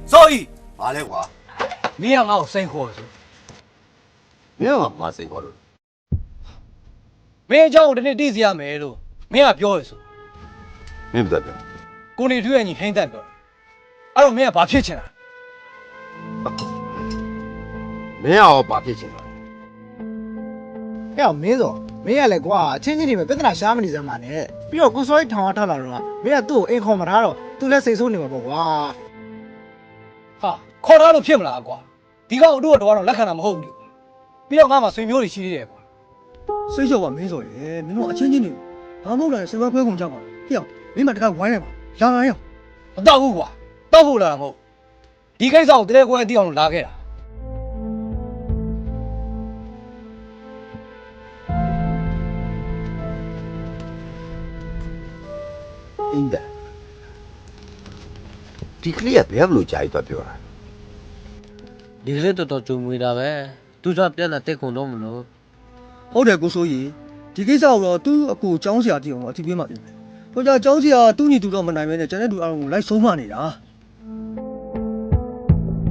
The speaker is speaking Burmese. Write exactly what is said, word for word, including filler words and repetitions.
所以马来话， 没让我生活是， 没有嘛生活了。 没叫我的那弟子也没了，没让表是， 没不代表。 过年突然你很代表，而我没让把骗钱了。 没有把骗钱了。 ဟဲ့မင်းစောမင်းရလဲကွာချင်းချင်းတွေပဲပြဿနာရှားမနေစမ်းပါနဲ့ပြီးတော့ကိုစောကြီးထောင်ထားလာတော့မင်းကသူ့ကိုအိမ်ခေါ်မထားတော့သူလည်းစိတ်ဆိုးနေမှာပေါ့ကွာ哈，靠他都骗不了瓜，ဒီကောင်တို့ကတော့လက်ခံတာမဟုတ်ဘူးပြီးတော့ငါမှဆွေမျိုးတွေရှိသေးတယ်ကွာစိတ်လျှော့ပါမင်းဆိုရင်မင်းတို့အချင်းချင်းတွေဘာမှမဟုတ်တာစေဘခွဲကုန်ကြပါဟေ့မင်းမတကဝိုင်းလိုက်ပါလာလာရမတော့ဘူးကွာတော့ဖို့လာတာမဟုတ်ဒီကိစ္စကိုတကယ်ကိုယ်အတိအောင်လာခဲ့တာအင်းဒါဒီကလေးကဘယ်လိုကြာရတော့ပြောတာဒီကလေးတော်တော်ကြုံမွေတာပဲသူကပြန်လာတက်ကုန်တော့မလို့ဟုတ်တယ်ကိုစိုးကြီးဒီကိစ္စကိုတော့သူ့အကူចောင်းဆရာတည်အောင်အထီးပေးမှပြင်မယ်ဟိုကြចောင်းဆရာသူ့ညီတူတော့မနိုင်မဲနဲ့ကျန်တဲ့လူအားလုံးကိုလိုက်ဆုံးမနေတာ